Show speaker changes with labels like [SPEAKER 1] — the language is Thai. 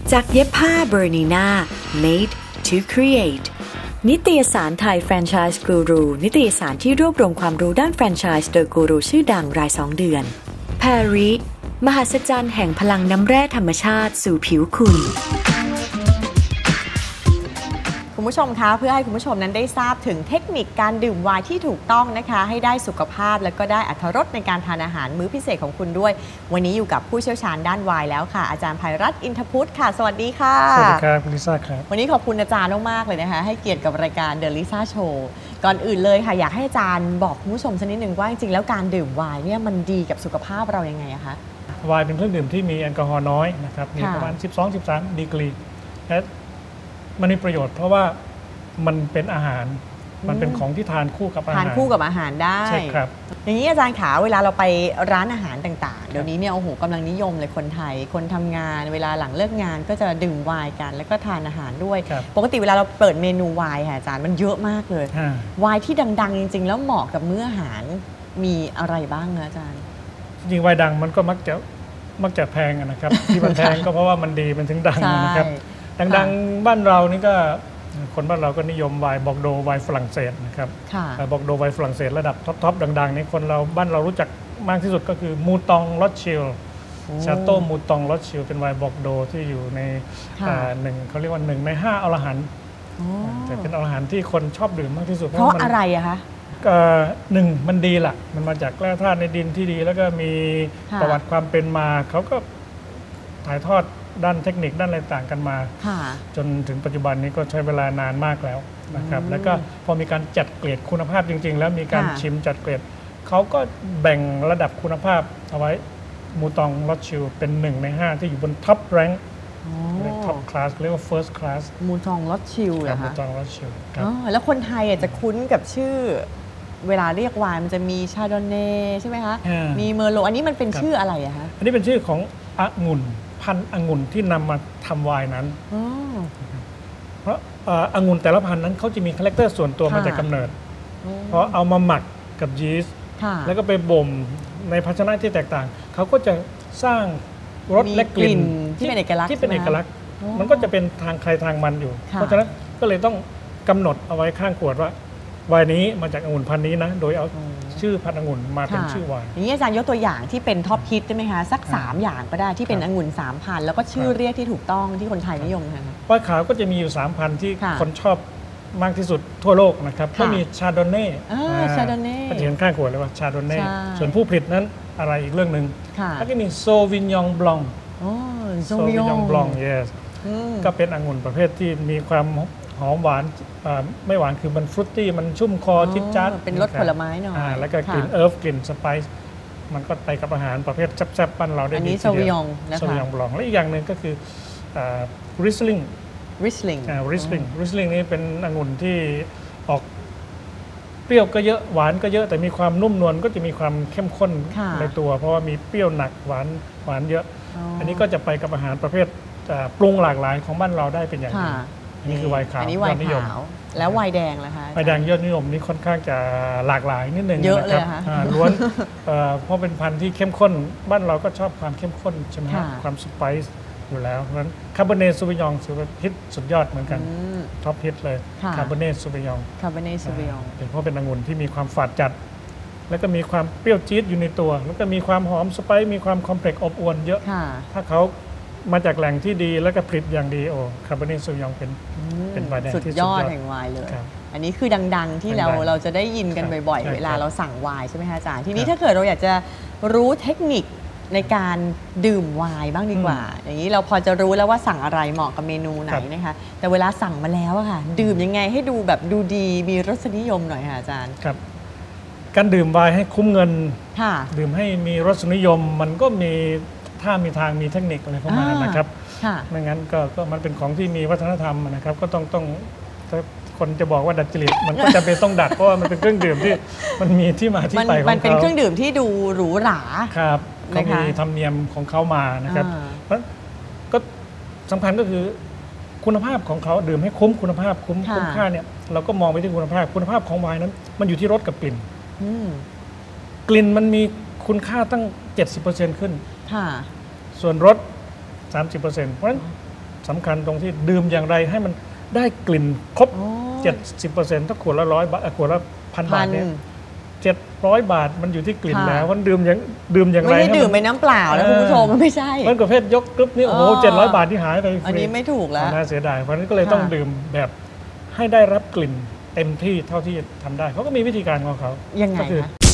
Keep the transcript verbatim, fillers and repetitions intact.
[SPEAKER 1] จากเย็บผ้าเบอร์นีน่า made to create นิตยสารไทยแฟรนไชส์กูรูนิตยสารที่รวบรวมความรู้ด้านแฟรนไชส์โดยกูรูชื่อดังรายสองเดือนแพรริมหัศจรรย์แห่งพลังน้ำแร่ธรรมชาติสู่ผิวคุณ
[SPEAKER 2] คุณผู้ชมคะเพื่อให้คุณผู้ชมนั้นได้ทราบถึงเทคนิคการดื่มไวน์ที่ถูกต้องนะคะให้ได้สุขภาพและก็ได้อรรถรสในการทานอาหารมื้อพิเศษของคุณด้วยวันนี้อยู่กับผู้เชี่ยวชาญด้านไวน์แล้วค่ะอาจารย์ไพรัตน์อินทพุทธค่ะสวัสดีค่ะ
[SPEAKER 3] สวัสดีครับคุณลิซ่าครับ
[SPEAKER 2] วันนี้ขอบคุณอาจารย์มากๆเลยนะคะให้เกียรติกับรายการ The Lisa Show ก่อนอื่นเลยค่ะอยากให้อาจารย์บอกคุณผู้ชมสักนิดหนึ่งว่าจริงๆแล้วการดื่มไวน์เนี่ยมันดีกับสุขภาพเรายังไงอะคะ
[SPEAKER 3] ไวน์เป็นเครื่องดื่มที่มีแอลกอฮอล์น้อยนะครับมีประมาณ สิบสองถึงสิบสาม ดีกรีและมันมีประโยชน์เพราะว่ามันเป็นอาหารมันเป็นของที่ทานคู่กับอาหาร
[SPEAKER 2] ทานคู่กับอาหารได้
[SPEAKER 3] ใช่ครับ
[SPEAKER 2] อย่างนี้อาจารย์ขาเวลาเราไปร้านอาหารต่างๆเดี๋ยวนี้เนี่ยโอ้โหกำลังนิยมเลยคนไทยคนทำงานเวลาหลังเลิกงานก็จะดื่มไวน์กันแล้วก็ทานอาหารด้วยปกติเวลาเราเปิดเมนูไวน์ค่ะอาจารย์มันเยอะมากเลยไวน์ที่ดังๆจริงๆแล้วเหมาะกับมื้ออาหารมีอะไรบ้างนะอาจารย์
[SPEAKER 3] จริงๆไวน์ดังมันก็มักจะมักจะแพงนะครับที่มันแพงก็เพราะว่ามันดีมันถึงดังนะครับดังๆบ้านเรานี่ก็คนบ้านเราก็นิยมไวน์บอกโดไวน์ฝรั่งเศสนะครับบอกโดไวน์ฝรั่งเศสระดับท็อปๆดังๆนี่คนเราบ้านเรารู้จักมากที่สุดก็คือมูตองลอตชิลชาโต้มูตองลอตชิลเป็นไวน์บอกโดที่อยู่ในหนึ่งเขาเรียกว่าหนึ่งในห้าอรหันต์แต่เป็นอรหันต์ที่คนชอบดื่มมากที่สุด
[SPEAKER 2] เพราะอะไรอะคะ
[SPEAKER 3] หนึ่งมันดีล่ะมันมาจากแร่ธาตุในดินที่ดีแล้วก็มีประวัติความเป็นมาเขาก็ถ่ายทอดด้านเทคนิคด้านอะไรต่างกันมาจนถึงปัจจุบันนี้ก็ใช้เวลานานมากแล้วนะครับแล้วก็พอมีการจัดเกรดคุณภาพจริงๆแล้วมีการชิมจัดเกรดเขาก็แบ่งระดับคุณภาพเอาไว้มูตองลอตชิลเป็นหนึ่งในห้าที่อยู่บนท็อปแรงค์ท็อปคลาสเรียกว่า first class
[SPEAKER 2] มูตองลอตชิลเหรอคะ
[SPEAKER 3] มูตองลอตชิล
[SPEAKER 2] แล้วคนไทยจะคุ้นกับชื่อเวลาเรียกไวน์มันจะมีชาโดเน่ใช่ไหมคะมีเมอร์โลอันนี้มันเป็นชื่ออะไรอะคะ
[SPEAKER 3] อันนี้เป็นชื่อขององุ่นพันธุ์องุ่นที่นำมาทำไวน์นั้นเพราะองุ่นแต่ละพันธุ์นั้นเขาจะมีคาแรคเตอร์ส่วนตัวมาจากกำเนิดเพราะเอามาหมักกับยีสต์แล้วก็ไปบ่มในภาชนะที่แตกต่างเขาก็จะสร้างรสและกลิ่น
[SPEAKER 2] ที่เป็นเอกลักษณ์
[SPEAKER 3] ที่เป็นเอกลักษณ์มันก็จะเป็นทางใครทางมันอยู่เพราะฉะนั้นก็เลยต้องกำหนดเอาไว้ข้างขวดว่าไวน์นี้มาจากองุ่นพันธุ์นี้นะโดยเอาชื่อพันธุ์องุ่นมาเป็นชื่อไวน์
[SPEAKER 2] อย่างนี้อาจารย์ยกตัวอย่างที่เป็นท็อปฮิตได้ไหมคะสักสามอย่างก็ได้ที่เป็นองุ่นสามพันแล้วก็ชื่อเรียกที่ถูกต้องที่คนไทยนิยมค่ะ
[SPEAKER 3] ไวน์ขาวก็จะมีอยู่สามพันที่คนชอบมากที่สุดทั่วโลกนะครับก็มีชาโดเน่
[SPEAKER 2] ชาโดเน่
[SPEAKER 3] ก็จะเห็นข้างขวดเลยว่าชาโดเน่ส่วนผู้ผลิตนั้นอะไรอีกเรื่องหนึ่งแล้วก็มีโซวิญญองบลอง
[SPEAKER 2] โซวิญญอง
[SPEAKER 3] บลอง yes ก็เป็นองุ่นประเภทที่มีความหอมหวานไม่หวานคือมันฟรุตตี้มันชุ่มคอจิ๊บจ๊าด
[SPEAKER 2] เป็นรสผลไม้หน่อย
[SPEAKER 3] แล้วก็กลิ่นเอิร์ฟกลิ่นสไปซ์มันก็ไปกับอาหารประเภทแซ่บๆปั้นเราได้ดีทีเดียว
[SPEAKER 2] อันนี้โซวิญญองนะคะ
[SPEAKER 3] โซวิญญองบลองและอีกอย่างหนึ่งก็คือริสลิง
[SPEAKER 2] ริสลิง
[SPEAKER 3] ริสลิงริสลิงนี่เป็นองุ่นที่ออกเปรี้ยวก็เยอะหวานก็เยอะแต่มีความนุ่มนวลก็จะมีความเข้มข้นในตัวเพราะว่ามีเปรี้ยวหนักหวานหวานเยอะอันนี้ก็จะไปกับอาหารประเภทปรุงหลากหลายของบ้านเราได้เป็นอย่างดีอันนี้คือไวน์ขาว
[SPEAKER 2] อันนี้ไวน์ขาวแล้วไวน์แดงล่ะคะ
[SPEAKER 3] ไวน์แดงยอดนิยมนี่ค่อนข้างจะหลากหลายนิดนึง
[SPEAKER 2] เยอะเลยค่ะ
[SPEAKER 3] ล้วนเพราะเป็นพันธุ์ที่เข้มข้นบ้านเราก็ชอบความเข้มข้นใช่ไหมความสไปซ์อยู่แล้วเพราะฉะนั้นคาร์บอเนตซูวิญญองถือว่าฮิตสุดยอดเหมือนกันท็อปฮิตเลยคาร์บอเนตซูวิญญอง
[SPEAKER 2] คาร์บอเนตซูวิญญอง
[SPEAKER 3] เป็นเพราะเป็นองุ่นที่มีความฝาดจัดแล้วก็มีความเปรี้ยวจี๊ดอยู่ในตัวแล้วก็มีความหอมสไปซ์มีความคอมเพล็กซ์อบอวลเยอะถ้าเขามาจากแหล่งที่ดีแล้วก็ผลิตอย่างดีโอ้คาร์บอเนตซูวิญญองเป็นเป็นไวน์แดงที่สุดยอด
[SPEAKER 2] แห่งไวน์เลยอันนี้คือดังๆที่เราเราจะได้ยินกันบ่อยๆเวลาเราสั่งไวน์ใช่ไหมคะอาจารย์ทีนี้ถ้าเกิดเราอยากจะรู้เทคนิคในการดื่มไวน์บ้างดีกว่าอย่างนี้เราพอจะรู้แล้วว่าสั่งอะไรเหมาะกับเมนูไหนนะคะแต่เวลาสั่งมาแล้วอะค่ะดื่มยังไงให้ดูแบบดูดีมีรสนิยมหน่อยค่ะอาจารย์
[SPEAKER 3] ครับการดื่มไวน์ให้คุ้มเงินดื่มให้มีรสนิยมมันก็มีถ้ามีทางมีเทคนิคอะไรเข้ามานะครับไม่งั้นก็ก็มันเป็นของที่มีวัฒนธรรมนะครับก็ต้องต้องคนจะบอกว่าดัดจริตมันก็จะเป็นต้องดัดเพราะว่ามันเป็นเครื่องดื่มที่มันมีที่มาที่ไปของเขา
[SPEAKER 2] มันเป็นเครื่องดื่มที่ดูหรูหรา
[SPEAKER 3] ครับเขามีธรรมเนียมของเขามานะครับเพราะก็สำคัญก็คือคุณภาพของเขาดื่มให้คุ้มคุณภาพคุ้มคุ้มค่าเนี่ยเราก็มองไปที่คุณภาพคุณภาพของไวน์นั้นมันอยู่ที่รสกับกลิ่นกลิ่นมันมีคุณค่าตั้ง เจ็ดสิบเปอร์เซ็นต์ ขึ้นส่วนรส สามสิบเปอร์เซ็นต์ เพราะฉะนั้นสำคัญตรงที่ดื่มอย่างไรให้มันได้กลิ่นครบ
[SPEAKER 2] อ๋อ
[SPEAKER 3] เจ็ดสิบเปอร์เซ็นต์ถ้าขวดละร้อยบาทขวดละพันบาทเนี่ยเจ็ดร้อยบาทมันอยู่ที่กลิ่น
[SPEAKER 2] ค่ะ
[SPEAKER 3] แล้วมันดื่มอย่างดื่มอย่างไร
[SPEAKER 2] ไม่ได้ดื่ม
[SPEAKER 3] ให้
[SPEAKER 2] ไปน้ำเปล่านะคุณผู้ชมมันไม่ใช่
[SPEAKER 3] มันประเภทยกกรึ๊บนี่โอ้โห
[SPEAKER 2] อ๋อ
[SPEAKER 3] เจ็ดร้อยบาทที่หายไปฟรี
[SPEAKER 2] อันนี้ไม่ถูกแล้ว
[SPEAKER 3] น่าเสียดายเพราะฉะนั้นก็เลยต้อง
[SPEAKER 2] ค่ะ
[SPEAKER 3] ดื่มแบบให้ได้รับกลิ่นเต็มที่เท่าที่ทำได้เขาก็มีวิธีการของเขา
[SPEAKER 2] ยังไง
[SPEAKER 3] ก็คือ
[SPEAKER 2] คะ